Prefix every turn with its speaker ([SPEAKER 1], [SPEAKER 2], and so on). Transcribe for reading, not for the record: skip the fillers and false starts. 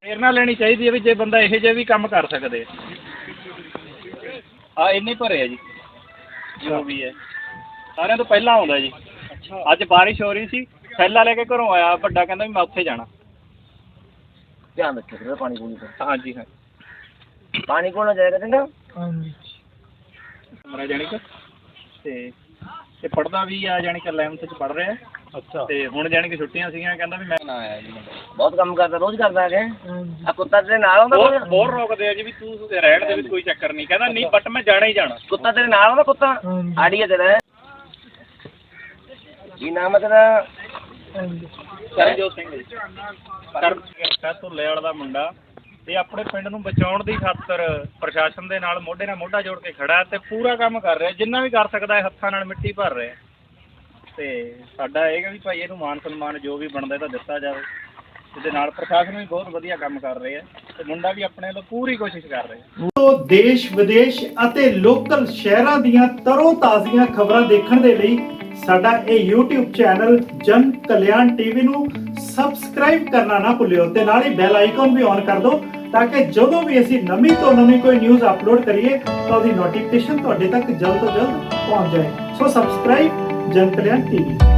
[SPEAKER 1] ਪ੍ਰੇਰਨਾ ਲੈਣੀ ਚਾਹੀਦੀ ਹੈ ਵੀ ਜੇ ਬੰਦਾ ਇਹੋ ਜਿਹੇ ਵੀ ਕੰਮ ਕਰ ਸਕਦੇ ਆ ਇੰਨੇ ਭਰੇ ਆ ਜੀ ਜੋ ਵੀ ਹੈ ਸਾਰਿਆਂ ਤੋਂ ਪਹਿਲਾਂ ਆਉਂਦਾ ਜੀ। ਅੱਜ ਬਾਰਿਸ਼ ਹੋ ਰਹੀ ਸੀ, ਥੈਲਾ ਲੈ ਕੇ ਘਰੋਂ ਆਇਆ ਵੱਡਾ, ਕਹਿੰਦਾ ਵੀ ਮੈਂ ਉੱਥੇ ਜਾਣਾ।
[SPEAKER 2] ਧਿਆਨ ਰੱਖਿਓ ਪਾਣੀ ਪੂਣੀ ਦਾ।
[SPEAKER 1] ਹਾਂਜੀ ਹਾਂ
[SPEAKER 2] ਪਾਣੀ ਕੋਲ ਨਾ ਜਾਏਗਾ ਚੰਗਾ।
[SPEAKER 1] ਹਾਂਜੀ ਮੇਰਾ ਜਾਣੀ ਕਿ ਤੇ ਪੜ੍ਹਦਾ ਵੀ ਆ, ਜਾਣੀ ਕਿ 11th 'ਚ ਪੜ੍ਹ ਰਿਹਾ। ਅੱਛਾ। ਤੇ ਹੁਣ ਜਾਣੀ ਕਿ ਛੁੱਟੀਆਂ ਸੀਗੀਆਂ, ਕਹਿੰਦਾ ਵੀ ਮੈਂ ਨਾ ਆਇਆ ਜੀ।
[SPEAKER 2] ਬਹੁਤ ਕੰਮ ਕਰਦਾ, ਰੋਜ਼ ਕਰਦਾ ਹੈ। ਆ ਕੁੱਤਾ ਤੇਰੇ ਨਾਲ ਆਉਂਦਾ?
[SPEAKER 1] ਬਹੁਤ ਰੋਕਦੇ ਆ ਜੀ ਵੀ ਤੂੰ ਰਹਿਣ ਦੇ ਵਿੱਚ ਕੋਈ ਚੱਕਰ ਨਹੀਂ, ਕਹਿੰਦਾ ਨਹੀਂ ਬਟ ਮੈਂ ਜਾਣਾ ਹੀ ਜਾਣਾ।
[SPEAKER 2] ਕੁੱਤਾ ਤੇਰੇ ਨਾਲ ਆਉਂਦਾ? ਕੁੱਤਾ ਆੜੀ ਹੈ ਤੇਰਾ? ਕੀ ਨਾਮ ਹੈ ਤੇਰਾ?
[SPEAKER 1] ਕਰਨਜੋਤ ਸਿੰਘ ਜੀ। ਧੁੱਲੇ ਵਾਲਾ ਦਾ ਮੁੰਡਾ ਤੇ ਆਪਣੇ ਪਿੰਡ ਨੂੰ ਬਚਾਉਣ ਦੀ ਖਾਤਰ ਪ੍ਰਸ਼ਾਸਨ ਦੇ ਨਾਲ ਮੋਢੇ ਨਾਲ ਮੋਢਾ ਜੋੜ ਕੇ ਖੜਾ ਤੇ ਪੂਰਾ ਕੰਮ ਕਰ ਰਿਹਾ, ਜਿੰਨਾ ਵੀ ਕਰ ਸਕਦਾ ਹੈ। ਹੱਥਾਂ ਨਾਲ ਮਿੱਟੀ ਭਰ ਰਿਹਾ ਤੇ ਸਾਡਾ ਇਹ ਹੈ ਵੀ ਭਾਈ ਇਹਨੂੰ ਮਾਨ ਸਨਮਾਨ ਜੋ ਵੀ ਬਣਦਾ ਤਾਂ ਦਿੱਤਾ ਜਾਵੇ। ਇਹਦੇ ਨਾਲ ਪ੍ਰਸ਼ਾਸਨ ਵੀ ਬਹੁਤ ਵਧੀਆ ਕੰਮ ਕਰ ਰਹੇ ਆ ਤੇ ਮੁੰਡਾ ਵੀ ਆਪਣੇ ਤੋਂ ਪੂਰੀ ਕੋਸ਼ਿਸ਼ ਕਰ ਰਿਹਾ।
[SPEAKER 3] ਤੋਂ ਦੇਸ਼ ਵਿਦੇਸ਼ ਅਤੇ ਲੋਕਲ ਸ਼ਹਿਰਾਂ ਦੀਆਂ ਤਰੋ ਤਾਜ਼ੀਆਂ ਖਬਰਾਂ ਦੇਖਣ ਦੇ ਲਈ ਸਾਡਾ ਇਹ YouTube ਚੈਨਲ ਜਨ ਕਲਿਆਣ ਟੀਵੀ ਨੂੰ ਸਬਸਕ੍ਰਾਈਬ ਕਰਨਾ ਨਾ ਭੁੱਲਿਓ ਤੇ ਨਾਲ ਹੀ ਬੈਲ ਆਈਕਨ ਵੀ ਔਨ ਕਰ ਦਿਓ ਤਾਂ ਕਿ ਜਦੋਂ ਵੀ ਅਸੀਂ ਨਵੀਂ ਤੋਂ ਨਵੀਂ ਕੋਈ ਨਿਊਜ਼ ਅਪਲੋਡ ਕਰੀਏ ਤਾਂ ਉਹਦੀ ਨੋਟੀਫਿਕੇਸ਼ਨ ਤੁਹਾਡੇ ਤੱਕ ਜਲਦ ਤੋਂ ਜਲਦ ਪਹੁੰਚ ਜਾਏ। ਸੋ ਸਬਸਕ੍ਰਾਈਬ ਜਨ ਕਲਿਆਣ ਟੀਵੀ।